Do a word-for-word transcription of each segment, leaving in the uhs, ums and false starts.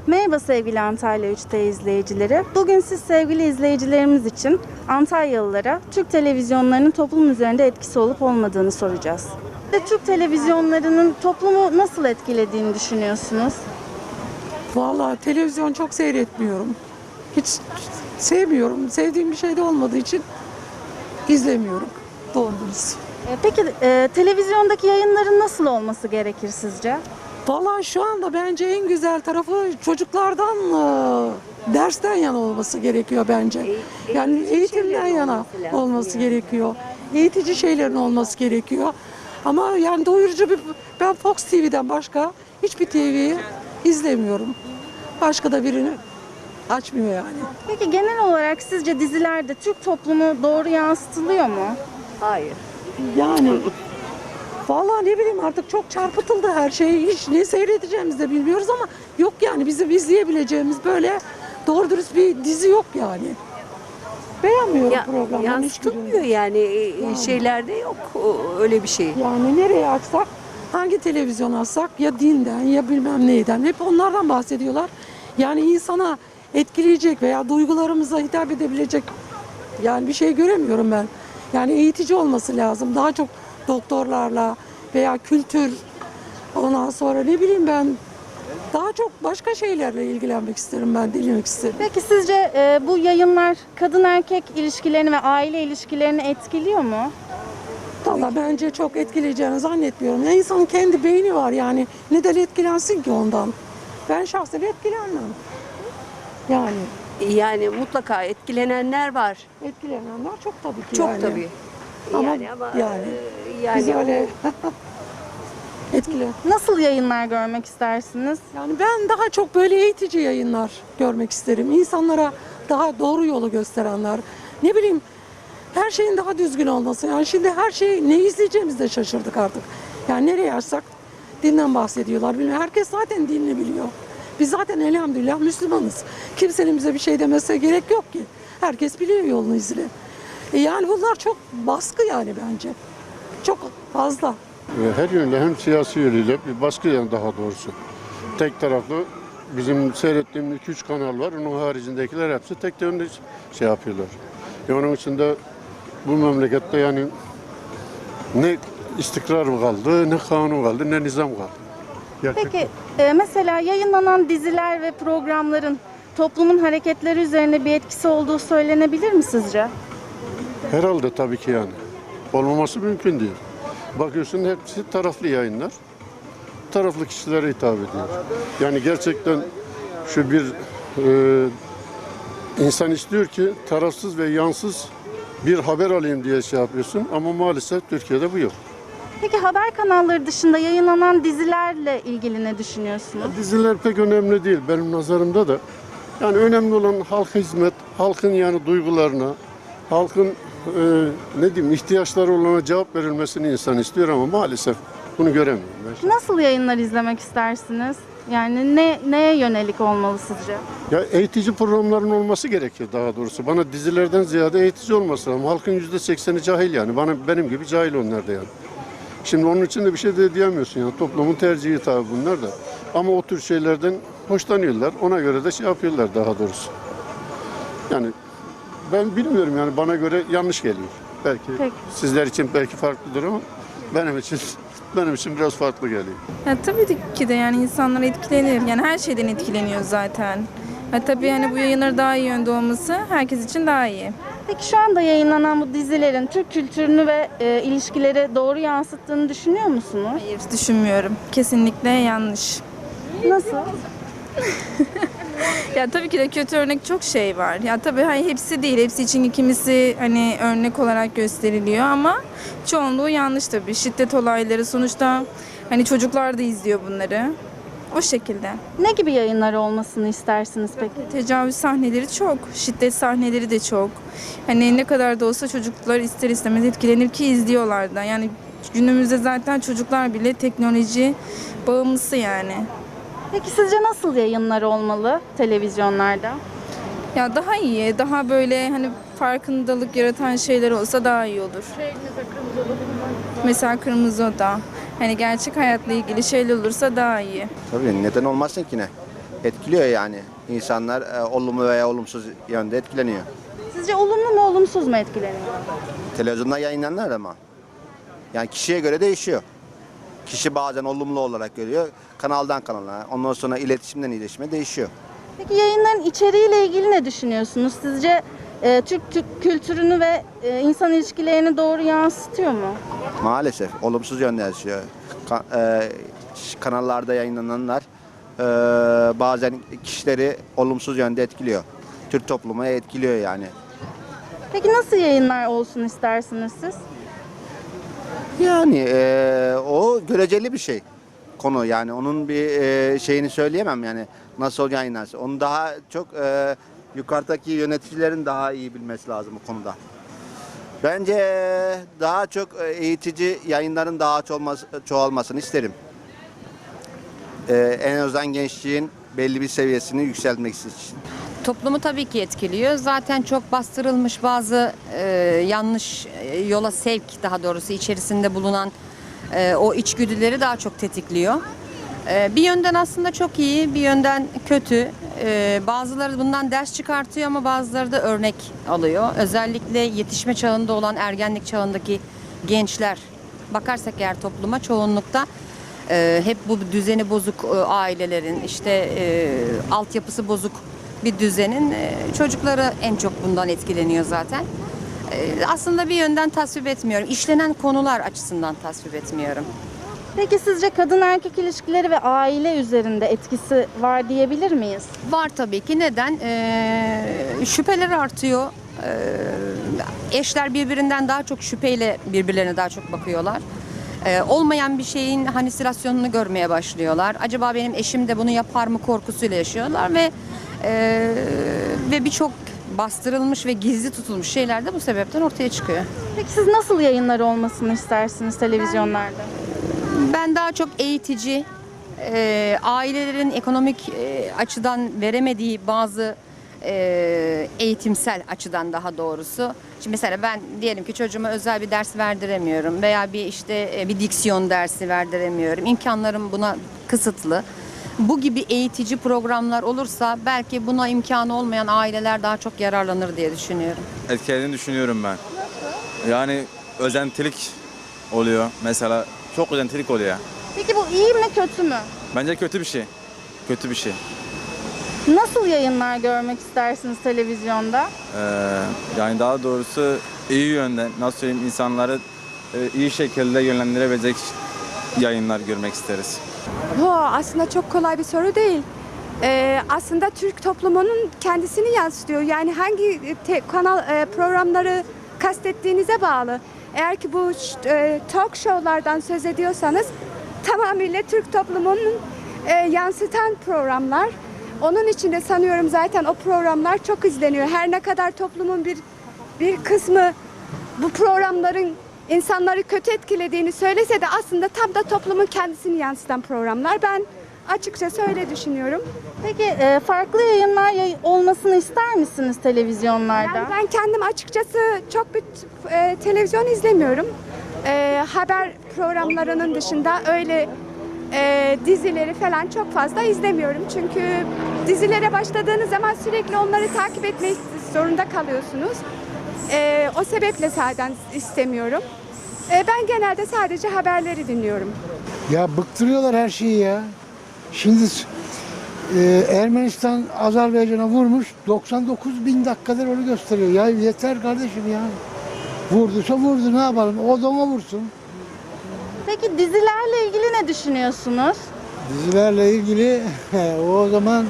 Merhaba sevgili Antalya üç T izleyicileri. Bugün siz sevgili izleyicilerimiz için Antalyalılara Türk televizyonlarının toplum üzerinde etkisi olup olmadığını soracağız. Türk televizyonlarının toplumu nasıl etkilediğini düşünüyorsunuz? Vallahi televizyon çok seyretmiyorum. Hiç sevmiyorum. Sevdiğim bir şey de olmadığı için izlemiyorum. Doğru dürüst. E, Peki e, televizyondaki yayınların nasıl olması gerekir sizce? Vallahi şu anda bence en güzel tarafı çocuklardan e, dersten yana olması gerekiyor bence. Yani eğitimden yana olması gerekiyor. Eğitici şeylerin olması gerekiyor. Ama yani doyurucu bir, ben Fox T V'den başka hiçbir T V'yi izlemiyorum. Başka da birini açmıyor yani. Peki genel olarak sizce dizilerde Türk toplumu doğru yansıtılıyor mu? Hayır. Yani vallahi ne bileyim artık çok çarpıtıldı her şey. Hiç ne seyredeceğimizi de bilmiyoruz ama yok yani bizim izleyebileceğimiz böyle doğru dürüst bir dizi yok yani. Beğenmiyorum Ya, programları. yansıtılmıyor yani. yani şeylerde yok o- öyle bir şey. Yani nereye açsak, hangi televizyon açsak ya dinden ya bilmem neyden hep onlardan bahsediyorlar. Yani insana etkileyecek veya duygularımıza hitap edebilecek yani bir şey göremiyorum ben. Yani eğitici olması lazım. Daha çok doktorlarla veya kültür, ondan sonra ne bileyim ben daha çok başka şeylerle ilgilenmek isterim ben, dinlemek isterim. Peki sizce e, bu yayınlar kadın erkek ilişkilerini ve aile ilişkilerini etkiliyor mu? Valla bence çok etkileyeceğini zannetmiyorum. Ya insanın kendi beyni var yani neden etkilensin ki ondan? Ben şahsen etkilenmem. Yani Yani mutlaka etkilenenler var. etkilenenler çok tabii ki Çok yani. tabii. Ama yani ama yani e, yani biz öyle etkile. Nasıl yayınlar görmek istersiniz? Yani ben daha çok böyle eğitici yayınlar görmek isterim. İnsanlara daha doğru yolu gösterenler. Ne bileyim her şeyin daha düzgün olması. Yani şimdi her şey ne izleyeceğimizi de şaşırdık artık. Yani nereye açsak dinden bahsediyorlar. Bilmiyorum. Herkes zaten dinini biliyor. Biz zaten elhamdülillah Müslümanız. Kimsenin bize bir şey demesine gerek yok ki. Herkes biliyor yolunu izle. E yani bunlar çok baskı yani bence. Çok fazla. Her yönle hem siyasi yönüyle bir baskı yani daha doğrusu. Tek taraflı bizim seyrettiğimiz iki üç kanal var. Onun haricindekiler hepsi tek yönlü şey yapıyorlar. E onun için de bu memlekette yani ne istikrar kaldı, ne kanun kaldı, ne nizam kaldı. Gerçekten. Peki e, mesela yayınlanan diziler ve programların toplumun hareketleri üzerine bir etkisi olduğu söylenebilir mi sizce? Herhalde tabii ki yani. Olmaması mümkün değil. Bakıyorsun hepsi taraflı yayınlar. Taraflı kişilere hitap ediyor. Yani gerçekten şu bir e, insan istiyor ki tarafsız ve yansız bir haber alayım diye şey yapıyorsun ama maalesef Türkiye'de bu yok. Peki haber kanalları dışında yayınlanan dizilerle ilgili ne düşünüyorsunuz? Diziler pek önemli değil benim nazarımda da. Yani önemli olan halka hizmet, halkın yani duygularına, halkın e, ne diyeyim ihtiyaçları olana cevap verilmesini insan istiyor ama maalesef bunu göremiyorum. Ben. Nasıl yayınlar izlemek istersiniz? Yani ne neye yönelik olmalı sizce? Ya eğitici programların olması gerekiyor daha doğrusu. Bana dizilerden ziyade eğitici olması lazım. Halkın yüzde sekseni cahil yani. Bana benim gibi cahil onlar da yani. Şimdi onun için de bir şey de diyemiyorsun yani. Toplumun tercihi tabii bunlar da. Ama o tür şeylerden hoşlanıyorlar. Ona göre de şey yapıyorlar daha doğrusu. Yani ben bilmiyorum yani bana göre yanlış geliyor. Belki Peki. sizler için belki farklıdır ama benim için benim için biraz farklı geliyor. Ya tabii ki de yani insanlar etkilenir. Yani her şeyden etkileniyor zaten. Ha, tabii yani bu yayınları daha iyi yönde olması herkes için daha iyi. Peki şu anda yayınlanan bu dizilerin Türk kültürünü ve e, ilişkileri doğru yansıttığını düşünüyor musunuz? Hayır, düşünmüyorum. Kesinlikle yanlış. Nasıl? Ya tabii ki de kötü örnek çok şey var. Ya tabii hani hepsi değil. Hepsi için kimisi hani örnek olarak gösteriliyor ama çoğunluğu yanlış tabii. Şiddet olayları sonuçta hani çocuklar da izliyor bunları. O şekilde. Ne gibi yayınlar olmasını istersiniz peki? Tecavüz sahneleri çok, şiddet sahneleri de çok. Hani ne kadar da olsa çocuklar ister istemez etkilenir ki izliyorlar da. Yani günümüzde zaten çocuklar bile teknoloji bağımlısı yani. Peki sizce nasıl yayınlar olmalı televizyonlarda? Ya daha iyi, daha böyle hani farkındalık yaratan şeyler olsa daha iyi olur. Mesela Kırmızı Oda. Hani gerçek hayatla ilgili şeyler olursa daha iyi. Tabii neden olmasın ki ne? Etkiliyor yani. İnsanlar e, olumlu veya olumsuz yönde etkileniyor. Sizce olumlu mu olumsuz mu etkileniyor? Televizyonda yayınlananlar ama. Yani kişiye göre değişiyor. Kişi bazen olumlu olarak görüyor. Kanaldan kanala, ondan sonra iletişimden iletişime değişiyor. Peki yayınların içeriğiyle ilgili ne düşünüyorsunuz? Sizce e, Türk, Türk kültürünü ve e, insan ilişkilerini doğru yansıtıyor mu? Maalesef olumsuz yönde yaşıyor. Ka- e, kanallarda yayınlananlar e, bazen kişileri olumsuz yönde etkiliyor. Türk toplumu etkiliyor yani. Peki nasıl yayınlar olsun istersiniz siz? Yani e, o göreceli bir şey konu yani onun bir e, şeyini söyleyemem yani nasıl yayınlarsa. Onu daha çok e, yukarıdaki yöneticilerin daha iyi bilmesi lazım bu konuda. Bence daha çok eğitici yayınların daha çoğalması, çoğalmasını isterim. E, en azından gençliğin belli bir seviyesini yükseltmek için. Toplumu tabii ki etkiliyor. Zaten çok bastırılmış bazı e, yanlış e, yola sevk, daha doğrusu içerisinde bulunan e, o içgüdüleri daha çok tetikliyor. E, bir yönden aslında çok iyi, bir yönden kötü. E, bazıları bundan ders çıkartıyor ama bazıları da örnek alıyor. Özellikle yetişme çağında olan ergenlik çağındaki gençler bakarsak eğer topluma çoğunlukta e, hep bu düzeni bozuk e, ailelerin, işte e, altyapısı bozuk bir düzenin e, çocukları en çok bundan etkileniyor zaten. E, aslında bir yönden tasvip etmiyorum. İşlenen konular açısından tasvip etmiyorum. Peki sizce kadın erkek ilişkileri ve aile üzerinde etkisi var diyebilir miyiz? Var tabii ki. Neden? E, şüpheler artıyor. E, eşler birbirinden daha çok şüpheyle birbirlerine daha çok bakıyorlar. E, olmayan bir şeyin halüsinasyonunu görmeye başlıyorlar. Acaba benim eşim de bunu yapar mı korkusuyla yaşıyorlar ve Ee, ve birçok bastırılmış ve gizli tutulmuş şeyler de bu sebepten ortaya çıkıyor. Peki siz nasıl yayınlar olmasını istersiniz televizyonlarda? Ben daha çok eğitici, e, ailelerin ekonomik e, açıdan veremediği bazı e, eğitimsel açıdan daha doğrusu. Şimdi mesela ben diyelim ki çocuğuma özel bir ders verdiremiyorum veya bir işte e, bir diksiyon dersi verdiremiyorum. İmkanlarım buna kısıtlı. Bu gibi eğitici programlar olursa belki buna imkanı olmayan aileler daha çok yararlanır diye düşünüyorum. Etkilediğini düşünüyorum ben. Yani özentilik oluyor mesela. Çok özentilik oluyor. Peki bu iyi mi kötü mü? Bence kötü bir şey. Kötü bir şey. Nasıl yayınlar görmek istersiniz televizyonda? Ee, yani daha doğrusu iyi yönden, nasıl söyleyeyim, insanları e, iyi şekilde yönlendirebilecek yayınlar görmek isteriz. Bu aslında çok kolay bir soru değil. Ee, aslında Türk toplumunun kendisini yansıtıyor. Yani hangi te- kanal e, programları kastettiğinize bağlı. Eğer ki bu e, talk show'lardan söz ediyorsanız tamamıyla Türk toplumunun e, yansıtan programlar. Onun için de sanıyorum zaten o programlar çok izleniyor. Her ne kadar toplumun bir bir kısmı bu programların insanları kötü etkilediğini söylese de aslında tam da toplumun kendisini yansıtan programlar. Ben açıkçası öyle düşünüyorum. Peki e, farklı yayınlar yay- olmasını ister misiniz televizyonlarda? Yani ben kendim açıkçası çok bir e, televizyon izlemiyorum. E, haber programlarının dışında öyle e, dizileri falan çok fazla izlemiyorum. Çünkü dizilere başladığınız zaman sürekli onları takip etmek zorunda kalıyorsunuz. E, o sebeple zaten istemiyorum. E, ben genelde sadece haberleri dinliyorum. Ya bıktırıyorlar her şeyi ya. Şimdi e, Ermenistan Azerbaycan'a vurmuş, doksan dokuz bin dakikadır onu gösteriyor. Ya yeter kardeşim ya. Vurduysa vurdu, ne yapalım? O da ona vursun. Peki dizilerle ilgili ne düşünüyorsunuz? Dizilerle ilgili o zaman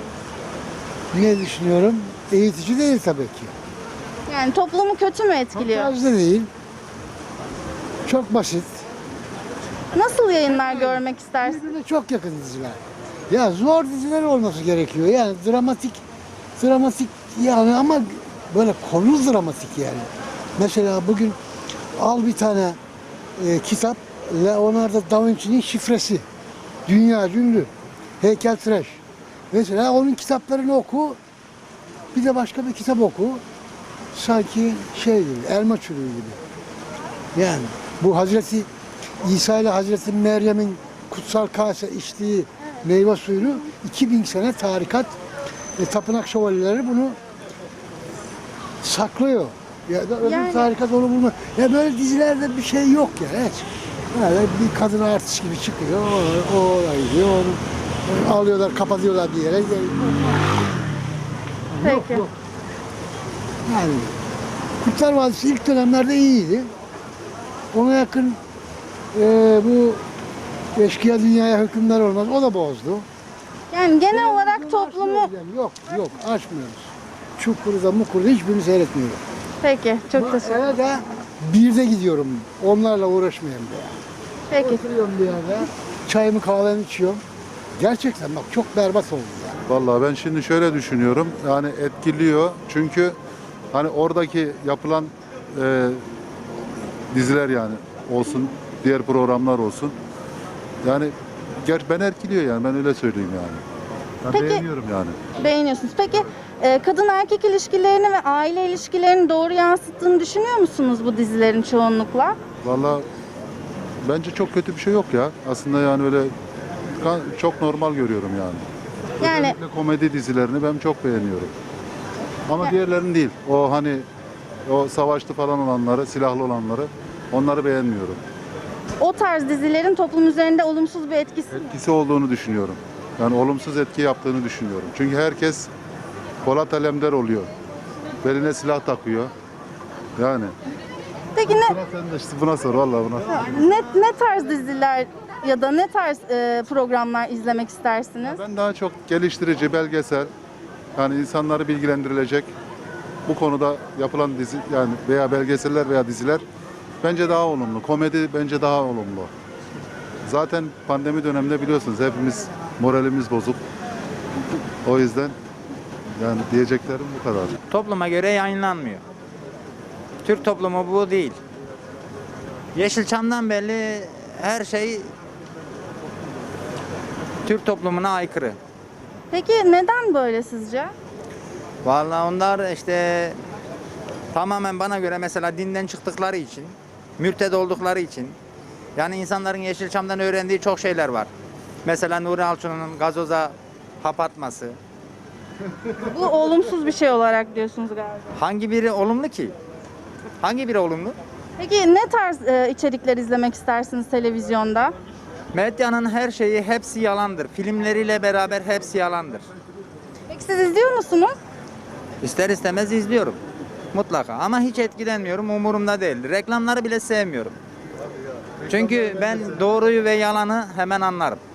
ne düşünüyorum? Eğitici değil tabii ki. Yani toplumu kötü mü Çok etkiliyor? fazla değil. Çok basit. Nasıl yayınlar görmek istersiniz? Birbirine çok yakın diziler. Ya zor diziler olması gerekiyor. Yani dramatik, dramatik yani ama böyle konu dramatik yani. Mesela bugün al bir tane e, kitap, Leonardo da Vinci'nin Şifresi. Dünya ünlü. Heykeltıraş. Mesela onun kitaplarını oku, bir de başka bir kitap oku. Sanki şey gibi, elma çürüğü gibi. Yani bu Hazreti İsa ile Hazreti Meryem'in kutsal kase içtiği meyve suyunu iki bin sene tarikat ve tapınak şövalyeleri bunu saklıyor. Ya da öbür Yani- tarikat onu bulma. Ya böyle dizilerde bir şey yok ya hiç. Böyle bir kadın artist gibi çıkıyor. O, o oraya gidiyor. Onu alıyorlar, kapatıyorlar bir yere. Yok, Peki. yok. Yani Kurtlar Vadisi ilk dönemlerde iyiydi. Ona yakın e, bu eşkıya dünyaya hükümler olmaz. O da bozdu. Yani genel olarak toplumu... Açmıyoruz yani. Yok yok açmıyoruz. Çukur'da Mukur'da hiçbirini seyretmiyorum. Peki, çok teşekkür ederim. Eve de birde gidiyorum. Onlarla uğraşmayayım diye. Peki. Oturuyorum bir yerde. Çayımı kahvemi içiyorum. Gerçekten bak çok berbat oldu ya. Vallahi ben şimdi şöyle düşünüyorum. Yani etkiliyor. Çünkü hani oradaki yapılan e, diziler yani olsun, diğer programlar olsun. Yani ger ben etkiliyor yani ben öyle söyleyeyim yani. Ben Peki- beğeniyorum yani. Beğeniyorsunuz. Peki e, kadın erkek ilişkilerini ve aile ilişkilerini doğru yansıttığını düşünüyor musunuz bu dizilerin çoğunlukla? Vallahi bence çok kötü bir şey yok ya. Aslında yani öyle kan- çok normal görüyorum yani. Yani Özellikle komedi dizilerini ben çok beğeniyorum. Ama diğerlerini değil. O hani o savaşlı falan olanları, silahlı olanları onları beğenmiyorum. o tarz dizilerin toplum üzerinde olumsuz bir etkisi Etkisi olduğunu düşünüyorum. Yani olumsuz etki yaptığını düşünüyorum. Çünkü herkes Polat Alemdar oluyor. Beline silah takıyor. Yani. Peki ne, Sıra sende işte buna sor vallahi buna. ne, ne tarz diziler ya da ne tarz e, programlar izlemek istersiniz? Ben daha çok geliştirici, belgesel, yani insanları bilgilendirilecek bu konuda yapılan dizi yani veya belgeseller veya diziler bence daha olumlu. Komedi bence daha olumlu. Zaten pandemi döneminde biliyorsunuz hepimiz moralimiz bozuk. O yüzden yani diyeceklerim bu kadar. Topluma göre yayınlanmıyor. Türk toplumu bu değil. Yeşilçam'dan belli her şey Türk toplumuna aykırı. Peki neden böyle sizce? Vallahi onlar işte tamamen bana göre mesela dinden çıktıkları için, mürted oldukları için. Yani insanların Yeşilçam'dan öğrendiği çok şeyler var. Mesela Nuri Alço'nun gazoza hap atması. Bu olumsuz bir şey olarak diyorsunuz galiba. Hangi biri olumlu ki? Hangi biri olumlu? Peki ne tarz e, içerikler izlemek istersiniz televizyonda? Medyanın her şeyi hepsi yalandır. Filmleriyle beraber hepsi yalandır. Peki siz izliyor musunuz? İster istemez izliyorum. Mutlaka ama hiç etkilenmiyorum. Umurumda değil. Reklamları bile sevmiyorum. Çünkü ben doğruyu ve yalanı hemen anlarım.